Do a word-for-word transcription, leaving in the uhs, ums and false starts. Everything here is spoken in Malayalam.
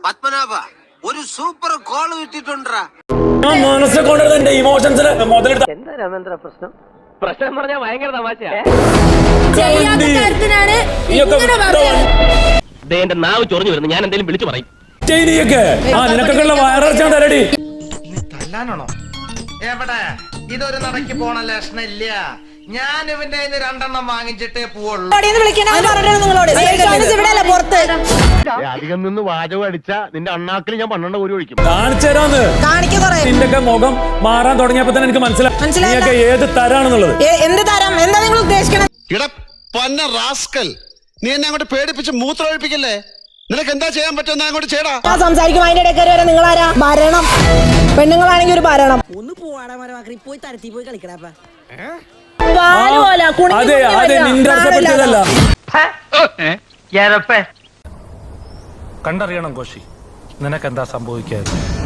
പത്മനാഭ ഒരു സൂപ്പർ കോൾ കിട്ടിട്ടുണ്ടാ. മനസ്സെ കൊണ്ടത് എന്റെ ഇമോഷൻസിന് മുതലെടുത്ത എന്താ രാമേന്ദ്ര പ്രശ്നം? പ്രശ്നം പറഞ്ഞാൽ ഭയങ്കര തമാശയാ. എന്റെ നാവ് ചൊറിഞ്ഞു വരുന്നു. ഞാൻ എന്തെങ്കിലും വിളിച്ചു പറയും. ആ നിനക്കൊക്കെയുള്ള വയറിറച്ചാൻ തരടി. തല്ലാനാണോ? എവിടെ ഇതൊരു നടക്ക് പോണ ലക്ഷണില്ല. ഞാൻ ഇവന്റെ രണ്ടെണ്ണം വാങ്ങിച്ചിട്ടേ പോവുള്ളൂ. അധികം നിന്ന് വാചകം അടിച്ച നിന്റെ അണ്ണാക്കിൽ ഞാൻ പന്ത്രണ്ട് കോരി ഒഴിക്കും. കാണിച്ചു തരാന്ന്. നിന്റെയൊക്കെ മുഖം മാറാൻ തുടങ്ങിയപ്പോ തന്നെ എനിക്ക് മനസ്സിലായി ഏത് തരാണെന്നുള്ളത്. എന്ത് തരം? എന്താ നിങ്ങൾ ഉദ്ദേശിക്കണത്? പന്ന റാസ്കൽ, നീ എന്നെ അങ്ങോട്ട് പേടിപ്പിച്ച് മൂത്രമൊഴിപ്പിക്കല്ലേ? നിനക്ക് എന്താ ചെയ്യാൻ പറ്റുമെന്ന് അങ്ങോട്ട് ചെയ്യടാ. സംസാരിക്കും അതിന്റെ ഇടയ്ക്ക് വരെ നിങ്ങളാരാ? ഭരണം. പെണ്ണുങ്ങളാണെങ്കിൽ ഒരു ഭരണം. ഒന്ന് പോവാടാ മരമാക്കി പോയി തരത്തി പോയി കളിക്കടാ. അതെ അതെ നിന്റെ അർത്ഥപ്പെട്ടതല്ല. കണ്ടറിയണം കോശി, നിനക്കെന്താ സംഭവിക്കാതെ.